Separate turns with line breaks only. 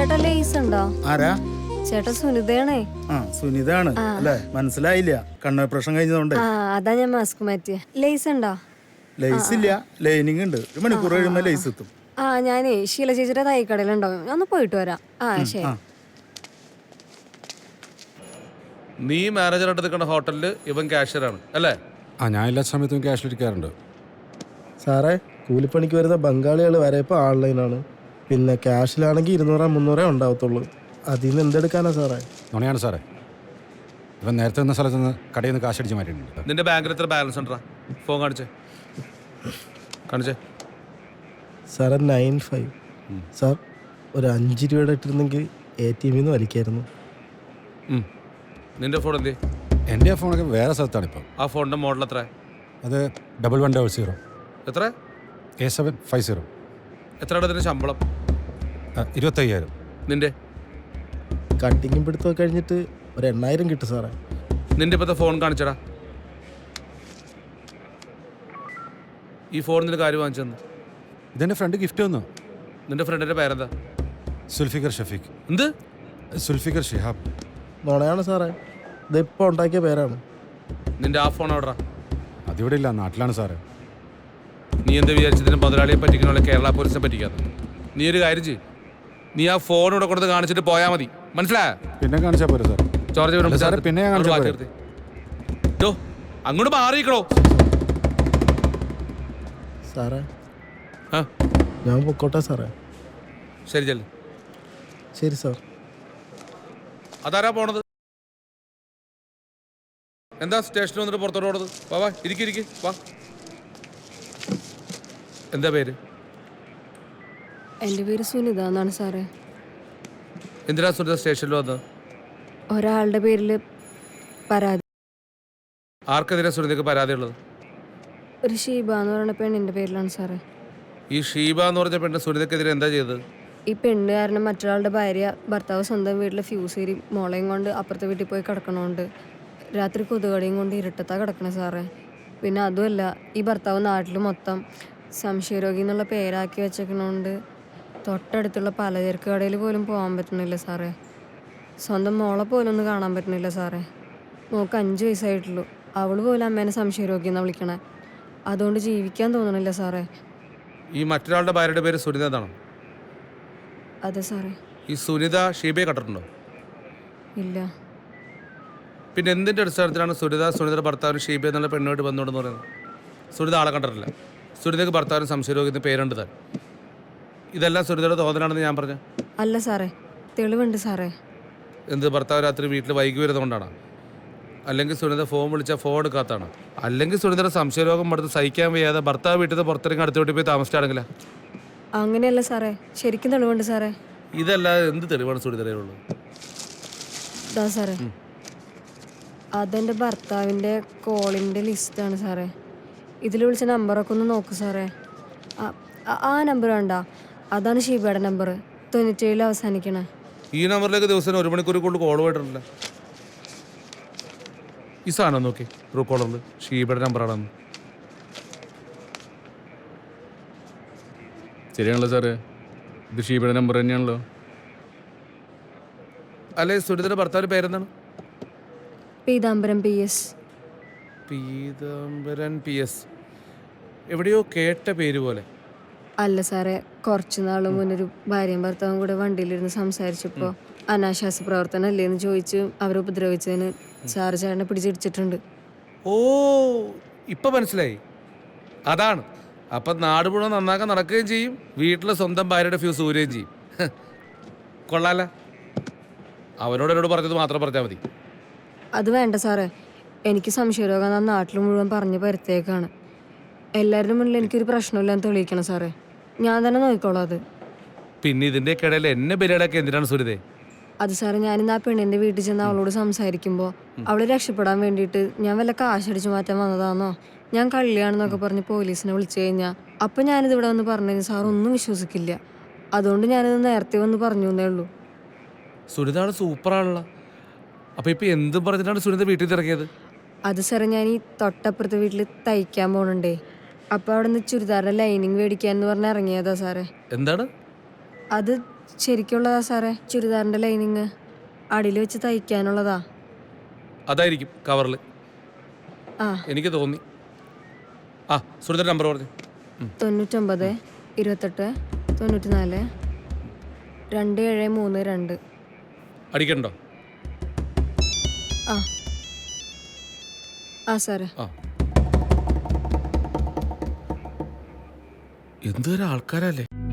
ചേട്ടാ ലേസ് ഉണ്ടോ?
ആരാ?
ചേട്ടാ സുനിതയാണേ.
ആ സുനിതാണ് അല്ലേ? മനസ്സിലായില്ല, കണ്ണോപ്പറേഷൻ കഴിഞ്ഞതുകൊണ്ട്.
അതാ ഞാൻ മാസ്ക് മാറ്റിയ. ലേസ് ഉണ്ടോ?
ലേസ് ഇല്ല, ലൈനിങ് ഉണ്ട്. 1 മണിക്കൂർ കഴിയുമ്പോ ലേസ് എത്തും.
ഞാനേ ശീല ചേച്ചിയുടെ തൈക്കടയിലുണ്ടാവും, ഞാൻ ഒന്ന് പോയിട്ട് വരാം. ശരി.
നീ മാനേജറായിട്ട് നിൽക്കുന്ന ഹോട്ടലിൽ ഇവൻ കാഷ്യറാണ് അല്ലേ?
ഞാൻ എല്ലാ സമയത്തും ക്യാഷിലിരിക്കാറുണ്ട്.
സാറേ, കൂലിപ്പണിക്ക് വരുന്ന ബംഗാളികൾ വരെ ഇപ്പോൾ ഓൺലൈനാണ്. പിന്നെ ക്യാഷിലാണെങ്കിൽ 200-300 ഉണ്ടാവത്തുള്ളൂ. അതിൽ നിന്ന് എന്തെടുക്കാനാ സാറേ?
നുണയാണ് സാറേ. ഇവൻ നേരത്തെ നിന്ന സ്ഥലത്ത് നിന്ന് കടയിൽ നിന്ന് കാശ് അടിച്ച് മാറ്റിയിട്ടുണ്ട്.
നിന്റെ ബാങ്കിൽ എത്ര ബാലൻസ് ഉണ്ടാ? ഫോൺ കാണിച്ചേ.
സാറേ 95. സാർ ഒരു 5 രൂപയുടെ ഇട്ടിരുന്നെങ്കിൽ ATM നിന്ന് വലിക്കായിരുന്നു.
നിന്റെ ഫോൺ എന്തേ?
എൻ്റെ ഫോണൊക്കെ വേറെ സ്ഥലത്താണ് ഇപ്പോൾ.
ആ ഫോണിന്റെ മോഡൽ എത്ര?
അത് 1100.
എത്ര?
A750.
എത്രയാണ് ഇതിന്റെ ശമ്പളം?
25,000.
നിന്റെ
കട്ടിങ്ങും പിടുത്തമൊക്കെ കഴിഞ്ഞിട്ട് ഒരു 8,000 കിട്ടും സാറേ.
നിന്റെ ഇപ്പോഴത്തെ ഫോൺ കാണിച്ചടാ. ഈ ഫോൺ നിന്റെ കാര്യം വാങ്ങിച്ചു തന്നു.
ഇതെൻ്റെ ഫ്രണ്ട് ഗിഫ്റ്റ് തന്നു.
നിന്റെ ഫ്രണ്ടിന്റെ പേരെന്താ?
സുൽഫിക്കർ ഷഫീഖ്.
എന്ത്?
സുൽഫിക്കർ ഷിഹാബ്.
നുണയാണ് സാറേ, ഇതിപ്പോൾ ഉണ്ടാക്കിയ പേരാണ്.
നിന്റെ ആ ഫോൺ എവിടാ?
അതിവിടെ ഇല്ല, നാട്ടിലാണ് സാറേ.
നീ എന്താ വിചാരിച്ചതിന് മുതലാളിയെ പറ്റിക്കണ കേരള പോലീസിനെ പറ്റിക്കാത്ത? നീ ഒരു കാര്യം ചെയ്യും, നീ ആ ഫോൺ ഇവിടെ കൊടുത്ത് കാണിച്ചിട്ട് പോയാൽ മതി, മനസ്സിലായ?
പിന്നെ കാണിച്ചാൽ പോരെ സാർ?
ചോർജ്
സാറേ പിന്നെ
അങ്ങോട്ട് മാറിയിക്കണോ
സാറേ? ഞാൻ പൊക്കോട്ടെ സാറേ?
ശരി ചെല്ലു.
ശരി സാർ.
അതാരാ പോണത്? എന്താ സ്റ്റേഷനിൽ വന്നിട്ട് പുറത്തോട്ട് പോണത്? വാ ഇരിക്ക് വാ. എന്താ പേര്?
എൻ്റെ പേര് സുനിത എന്നാണ് സാറേ.
എന്തിനാ സുനിത സ്റ്റേഷനിൽ വന്നത്?
ഒരാളുടെ പേരിൽ പരാതി.
ആർക്കെതിരെ സുനിതയ്ക്ക് പരാതി ഉള്ളത്?
ഒരു ഷീബ എന്ന് പറയുന്ന പെണ്ണിൻ്റെ പേരിലാണ് സാറേ.
ഈ ഷീബ എന്ന് പറഞ്ഞ പെണ്ണ് സുനിതയ്ക്കെതിരെ എന്താ ചെയ്തത്?
ഈ പെണ്ണ് കാരണം മറ്റൊരാളുടെ ഭാര്യ ഭർത്താവ് സ്വന്തം വീട്ടിലെ ഫ്യൂസ് ഏരി മോളയും കൊണ്ട് അപ്പുറത്തെ വീട്ടിൽ പോയി കിടക്കണോണ്ട് രാത്രി കൊതുകടിയും കൊണ്ട് ഇരുട്ടത്താ കിടക്കണേ സാറേ. പിന്നെ അതുമല്ല, ഈ ഭർത്താവ് നാട്ടിൽ മൊത്തം സംശയരോഗി എന്നുള്ള പേരാക്കി വെച്ചേക്കണോണ്ട് തൊട്ടടുത്തുള്ള പലചരക്ക് കടയിൽ പോലും പോകാൻ പറ്റണില്ല സാറേ. സ്വന്തം മോളെ പോലും ഒന്ന് കാണാൻ പറ്റണില്ല സാറേ. മോൾക്ക് 5 വയസ്സായിട്ടുള്ളൂ, അവൾ പോലും അമ്മേനെ സംശയരോഗി എന്നാണ് വിളിക്കണേ. അതുകൊണ്ട് ജീവിക്കാൻ തോന്നണില്ല സാറേ.
ഈ മറ്റൊരാളുടെ ഭാര്യയുടെ പേര് സുനിത എന്നാണോ?
അതെ സാറേ.
ഈ സുനിത ഷീബയെ കണ്ടിട്ടുണ്ടോ?
ഇല്ല.
പിന്നെ എന്തിൻ്റെ അടിസ്ഥാനത്തിലാണ് സുനിതയുടെ ഭർത്താവിന് ഷീബ എന്നുള്ള പെണ്ണുമായിട്ട് ബന്ധമുണ്ടെന്ന് പറയുന്നത്? സുനിത ആളെ കണ്ടിട്ടില്ല. സുനിതയ്ക്ക് ഭർത്താവിന് സംശയരോഗി എന്ന് പേരുണ്ട് താൻ. ഇതെല്ലാം സുനിതയുടെ തോന്നലാണെന്ന് ഞാൻ പറഞ്ഞു.
അല്ല സാറേ, തെളിവുണ്ട് സാറേ.
എന്ത്, ഭർത്താവ് രാത്രി വീട്ടിൽ വൈകി വരുന്നതുകൊണ്ടാണ്? അല്ലെങ്കിൽ സുനിത ഫോൺ വിളിച്ചാൽ ഫോൺ എടുക്കാത്തതാണ്? അല്ലെങ്കിൽ സുനിതയുടെ സംശയരോഗം എടുത്ത് സഹിക്കാൻ വയ്യാതെ ഭർത്താവ് വീട്ടിൽ നിന്ന് പുറത്തിറങ്ങി അടുത്ത വീട്ടിൽ പോയി താമസിച്ചാണെങ്കിലാ?
അങ്ങനെയല്ല സാറേ, ശരിക്കും തെളിവുണ്ട് സാറേ.
ഇതല്ലാതെ എന്ത് തെളിവാണ് സുനിതയുള്ളത്?
ഇതാ സാറേ, അതെൻ്റെ ഭർത്താവിൻ്റെ കോളിൻ്റെ ലിസ്റ്റാണ് സാറേ. ഇതിൽ വിളിച്ച നമ്പറൊക്കെ ഒന്ന് നോക്കൂ സാറേ. ആ നമ്പർ വേണ്ട, അതാണ് ഷീബയുടെ നമ്പർ, 97 അവസാനിക്കണേ.
ഈ നമ്പറിലേക്ക് ദിവസം 1 മണിക്കൂർ കൊണ്ട് കോൾ പോയിട്ടില്ല. ഈ സാധനം നോക്കി ട്രൂ കോളറിൽ ഷീബയുടെ നമ്പറാണെന്ന്.
ശരിയാണല്ലോ സാറേ, ഇത് ഷീബയുടെ നമ്പർ തന്നെയാണല്ലോ.
അല്ലെ, സുനിതയുടെ ഭർത്താവിൻ്റെ പേരെന്താണ്?
പീതാംബരം PS.
പീതാംബരൻ PS. എവിടെയോ കേട്ട പേര് പോലെ.
അല്ല സാറേ, കുറച്ച് നാൾ മുന്നൊരു ഭാര്യയും ഭർത്താവും കൂടെ വണ്ടിയിലിരുന്ന് സംസാരിച്ചപ്പോൾ അനാശാസ്യ പ്രവർത്തനം അല്ലേന്ന് ചോദിച്ച് അവരെ ഉപദ്രവിച്ചതിന് സാറ് ചേട്ടനെ പിടിച്ചിടിച്ചിട്ടുണ്ട്.
ഓ, ഇപ്പം മനസ്സിലായി. അതാണ്. അപ്പം നാട് മുഴുവൻ നന്നാക്കാൻ നടക്കുകയും ചെയ്യും, വീട്ടിലെ സ്വന്തം ഭാര്യയുടെ ഫ്യൂസ് ഊരുകയും ചെയ്യും. കൊള്ളാല. എന്നോട് പറഞ്ഞത് മാത്രം പറഞ്ഞാൽ മതി.
അത് വേണ്ട സാറേ, എനിക്ക് സംശയരോഗം ആ നാട്ടിൽ മുഴുവൻ പറഞ്ഞു പരത്തേക്കാണ്. എല്ലാവരുടെ മുന്നിൽ എനിക്കൊരു പ്രശ്നമില്ലാന്ന് തെളിയിക്കണം സാറേ. ഞാൻ തന്നെ നോക്കിക്കോളാം അത്.
പിന്നെ ഇതിൻ്റെ ഇടയിൽ എന്നെ ബലിയാടൊക്കെ എന്തിനാണ് സുനിതേ?
അത് സാറേ, ഞാനിന്ന് ആ പെണ്ണിൻ്റെ വീട്ടിൽ ചെന്ന് അവളോട് സംസാരിക്കുമ്പോൾ അവളെ രക്ഷപ്പെടാൻ വേണ്ടിയിട്ട് ഞാൻ വല്ല കാശടിച്ചു മാറ്റാൻ വന്നതാണോ, ഞാൻ കള്ളിയാണെന്നൊക്കെ പറഞ്ഞ് പോലീസിനെ വിളിച്ചു കഴിഞ്ഞാൽ അപ്പം ഞാനിത് ഇവിടെ വന്ന് പറഞ്ഞു കഴിഞ്ഞാൽ സാർ ഒന്നും വിശ്വസിക്കില്ല. അതുകൊണ്ട് ഞാനിത് നേരത്തെ വന്ന് പറഞ്ഞു എന്നേ ഉള്ളൂ.
സുനിതാണ് സൂപ്പറാണല്ലോ. അപ്പം ഇപ്പം എന്തും പറഞ്ഞിട്ടാണ് സുനിത വീട്ടിൽ ഇറങ്ങിയത്?
അത് സാറേ, ഞാൻ ഈ തൊട്ടപ്പുറത്തെ വീട്ടിൽ തയ്ക്കാൻ പോകണുണ്ടേ. അപ്പോൾ അവിടെ നിന്ന് ചുരിദാറിൻ്റെ ലൈനിങ് മേടിക്കാന്ന് പറഞ്ഞ് ഇറങ്ങിയതാ സാറേ.
എന്താണ്
അത്? ശരിക്കുള്ളതാ സാറേ, ചുരിദാറിൻ്റെ ലൈനിങ് അടിയിൽ വെച്ച് തയ്ക്കാനുള്ളതാ.
അതായിരിക്കും കവറിൽ,
ആ
എനിക്ക് തോന്നി. ആ സുഹൃത്തിൻ്റെ നമ്പർ പറഞ്ഞു.
99 28 94 2732.
അടിക്കണ്ടോ?
ആ ആ സാറേ.
ആ എന്തൊരു ആൾക്കാരല്ലേ.